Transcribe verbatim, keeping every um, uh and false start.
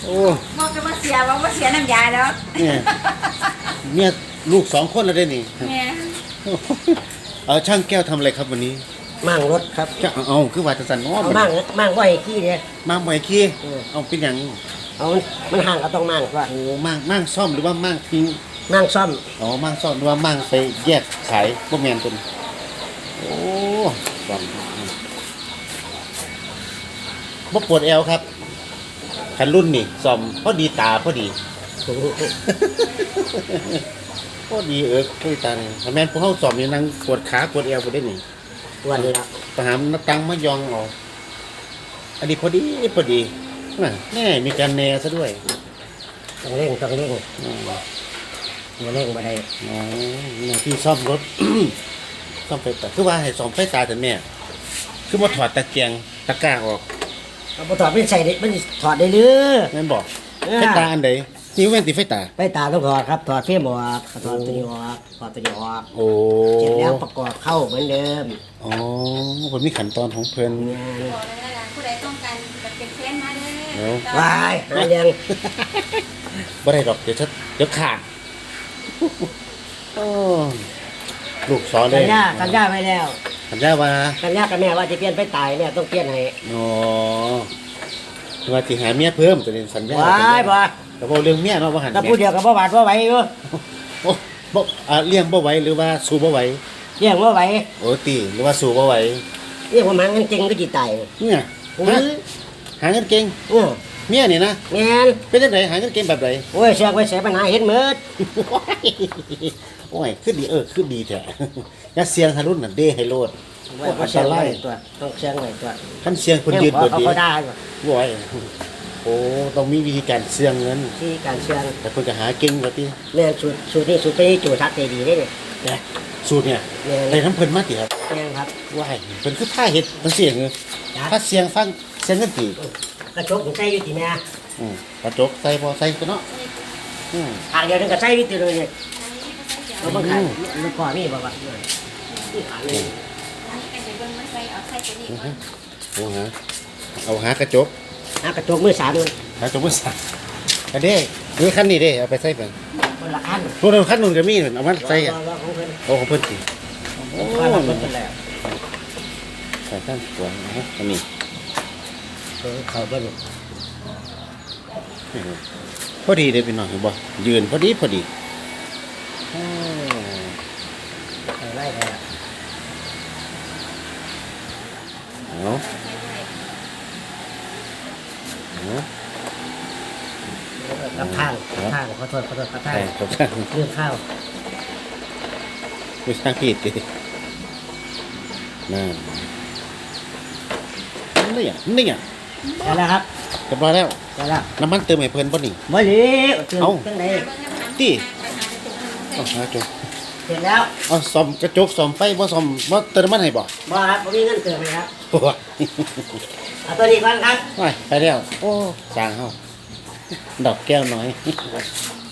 โอ้บอกจะมาเสียบอกว่าเสียน้ำยาแล้วเนี่ยเมียลูกสองคนแล้วได้นี่แม่เอาช่างแก้วทำอะไรครับวันนี้มั่งรถครับจะเอาคือว่าจะสั่นอ้อมั่งมั่งว่าไอ้ขี้เนี่ยมั่งไว้ขี้เอาเป็นอย่างเอามันห่างก็ต้องมั่งว่าโอ้มั่งมั่งซ่อมหรือว่ามั่งทิ้งมั่งซ่อมอ๋อมั่งซ่อมหรือว่ามั่งไปแยกขายพวกแมนตัวโอ้ซ่อมบ่ปวดเอวครับคันรุ่นนี่ซ่อมพอดีตาพอดีพอดีเออคุยตาเนี่ยแม่นพวกเขาซ่อมนี่นั่งปวดขาปวดเอวไปได้นี่วันนี้ละทหารนักตังมายองออกอันนี้พอดีพอดีแน่มีการแน่ซะด้วยต้องเร่งต้องเร่งมาเร่งมาได้อ๋อที่ซ่อมรถซ่อมไฟตาคือว่าให้ซ่อมไฟตาแต่แม่คือมาถอดตะเกียงตะกร้าออกเอาไปถอดไม่ใส่ได้ไม่ถอดได้หรือแม่บอกไฟตาอันไหนนี่แว่นติไฟตาไฟตาต้องถอดครับถอดเฟี้ยมออกถอดตัวนี้ออกถอดตัวนี้ออกโอ้เสร็จแล้วประกอบเข้าเหมือนเดิมอ๋อผมมีขั้นตอนของเพิ่นผู้ใดต้องการเป็นแฟนมาเด้อวายอะไรยังบ่ได้ดอกเดี๋ยวจะเดี๋ยวขาดลูกสอนเลยสัญญาสัญญาไว้แล้วสัญญาว่าสัญญากับแม่ว่าจะเปลี่ยนไปตายเนี่ยต้องเปลี่ยนให้อ๋อว่าจะหาเมียเพิ่มตัวนี้สัญญาว้ายบ่แต่พอเรื่องเมียเนาะบ่หันแต่พูดเดียวกับบ่หวาดบ่ไหวอยู่โอ้บ่อ่าเลี้ยงบ่ไหวหรือว่าสู้บ่ไหวเลี้ยงบ่ไหวโอ้ตีหรือว่าสู้บ่ไหวเลี้ยงผมหาเงินเก่งก็จิตายเนี่ยหาเงินเก่งเออเมียนี่นะแม่นเป็นจังไดหาเงินเก่งแบบใดโอ้ยเสียไว้เสียปัญหาเฮ็ดหมดโอ้ยขึ้นดีเออขึ้นดีแท้อย่าเสียงหารุ่นน่ะเด้ให้โลดว่าบ่เสียงไว้ตัวต้องเสียงไว้ตัวคันเสียงเพิ่นยืดบ่ดีเขาได้บ่ไหวโอ้ต้องมีวิธีการเสียงเงินที่การเสียงแต่เพิ่นก็หาเก่งว่าติแม่นสูตรสูตรนี้สูตรไปจูทักใจดีเด้เนี่ยสูตรเนี่ยได้นำเพิ่นมาติครับแม่นครับว้ายเพิ่นคือพาเฮ็ดจังซี่เหรอพาเสียงฟังเสียงเงินติกระจกใส่อยู่ติแม่อืมกระจกใส่บ่ใส่ก็เนาะอืมทางเดียวนึงก็ใส่อยู่ติเลยเนี่ยเราบ่ขายมันก่อมีบ่ว่านี่ขายเลยโอ้ฮะเอาหากระจกหากระจกมือสามเลยหากระจกมือสามอันนี้นี่คันนี้เด้เอาไปใส่เพิ่นคนละคันตัวนึงคันนึงก็มีเอามาใส่กันโอ้ของเพิ่นสิโอ้เพิ่นแล้วใส่ข้างขวาฮะอันนี้เขาเบิ่งพอดีเด้พี่น้องเห็นบ่ยืนพอดีพอดีไล่ได้เอากับทางกับทางขอโทษขอโทษกับทางกับทางเรื่องข้าวไม่ทางผิดดินั่นนี่อ่ะนี่อ่ะได้แล้วครับเรียบร้อยแล้วได้แล้วน้ำมันเติมให้เพิ่นบ่นี่บ่เหลวเติมจังได๋ติเอาหาจบเสร็จแล้วเอาซ่อมกระจกซ่อมไฟบ่ซ่อมบ่เติมน้ำมันให้บ่บ่ครับบ่มีเงินเติมให้ครับเอาตัวนี้ก่อนครับไปไปแล้วโอ้สร้างเฮาดอกแก้วน้อย